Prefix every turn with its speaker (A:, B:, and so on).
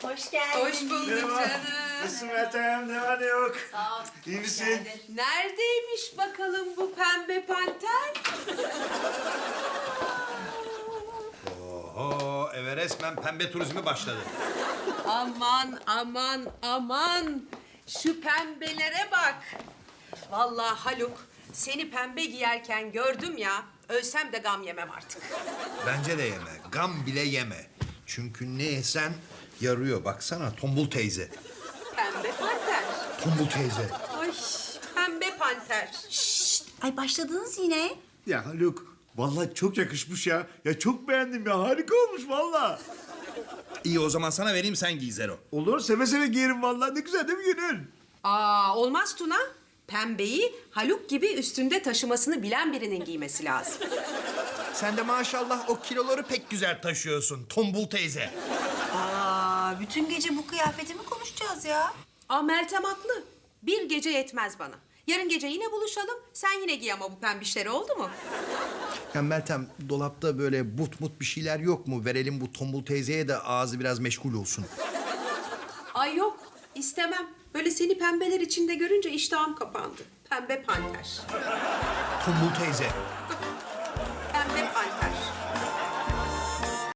A: Hoş geldin.
B: Hoş bulduk canım.
C: Nasılsın Meltem? Ne var ne yok?
A: Sağ ol.
C: İyi
A: Hoş
C: misin?
A: geldin.
B: Neredeymiş bakalım bu pembe panter?
D: Oho, eve resmen pembe turizmi başladı.
B: Aman aman aman. Şu pembelere bak. Vallahi Haluk, seni pembe giyerken gördüm ya. Ölsem de gam yemem artık.
D: Bence de yeme, gam bile yeme. Çünkü ne yesen yarıyor. Baksana Tombul teyze.
B: Pembe panter.
D: Tombul teyze.
B: Ay pembe panter.
A: Ay başladınız yine.
C: Ya Haluk, vallahi çok yakışmış ya. Ya çok beğendim ya. Harika olmuş vallahi.
D: İyi o zaman sana vereyim sen giy Zero.
C: Olur, seve seve giyerim vallahi. Ne güzel değil mi Gönül?
B: Aa olmaz Tuna. Pembeyi Haluk gibi üstünde taşımasını bilen birinin giymesi lazım.
D: Sen de maşallah o kiloları pek güzel taşıyorsun Tombul teyze.
A: Aa, bütün gece bu kıyafeti mi konuşacağız ya?
B: Aa Meltem haklı. Bir gece yetmez bana. Yarın gece yine buluşalım. Sen yine giy ama bu pembişleri, oldu mu?
D: Ya Meltem dolapta böyle but bir şeyler yok mu? Verelim bu Tombul teyzeye de ağzı biraz meşgul olsun.
B: Ay yok, istemem. Böyle seni pembeler içinde görünce iştahım kapandı. Pembe panter.
D: Tombul teyze.
B: Pembe panter.